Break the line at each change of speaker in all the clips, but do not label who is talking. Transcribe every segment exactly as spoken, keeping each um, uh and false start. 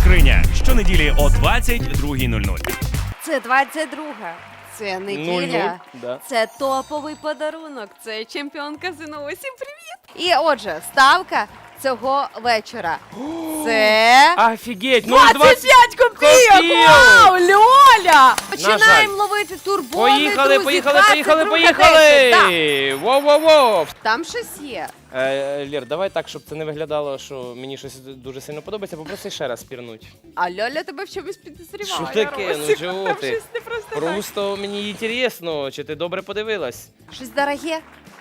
скриня. Щонеділі о двадцять другій нуль нуль.
Це двадцять друга. Це неділя.
нуль-нуль, да.
Це топовий подарунок. Це чемпіонка ЗНО. Всім привіт! І отже, ставка цього вечора. Це
Офігеть! ну,
двадцять п'ять копійок!
копійок!
Вау, Льоля!
жаль.
Починаємо ловити турбони,
Поїхали,
друзі.
поїхали, поїхали,
двадцять друга
поїхали!
десять.
Воу-воу-воу!
Так, там щось є.
Е, Лір, давай так, щоб це не виглядало, що мені щось дуже сильно подобається, попроси ще раз пірнуть.
А Льоля тебе в чомусь підозріває.
Що таке? Ну
Росик.
чого
Там
ти?
щось не просто так.
Просто мені інтересно, чи ти добре подивилась.
Щось дороге?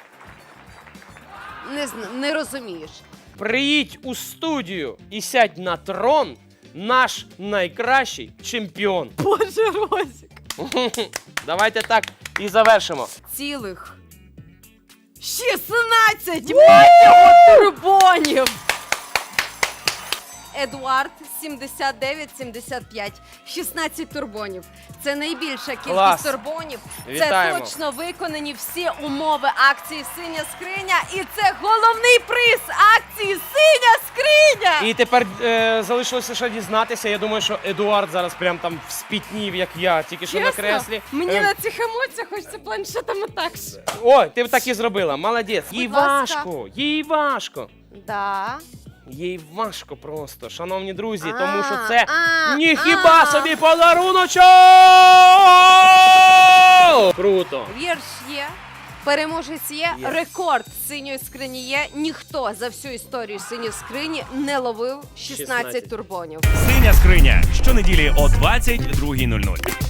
Не, зна- не розумієш.
Приїдь у студію і сядь на трон, наш найкращий чемпіон.
Боже, Росик.
Давайте так і завершимо.
Цілих шістнадцять мать його турбонів! Едуард сімдесят дев'ять сімдесят п'ять. шістнадцять турбонів. Це найбільша кількість
Клас.
турбонів.
Вітаємо.
Це точно виконані всі умови акції «Синя скриня». І це головний приз акції «Синя скриня».
І тепер е, залишилося ще дізнатися. Я думаю, що Едуард зараз прям там спітнів, як я, тільки що на креслі.
Мені
Е,
на цих емоціях хочеться планшетом так.
О, ти б так і зробила, молодець. Їй
Будь ласка.
важко, їй важко.
Да.
Їй важко просто, шановні друзі,
А,
тому що це
а,
ніхіба
а.
собі подаруночок! Круто!
Вірш є, переможець є,
Є.
рекорд синьої скрині є. Ніхто за всю історію синьої скрині не ловив шістнадцять
шістнадцять.
турбонів.
Синя скриня. Щонеділі о двадцять другій нуль нуль.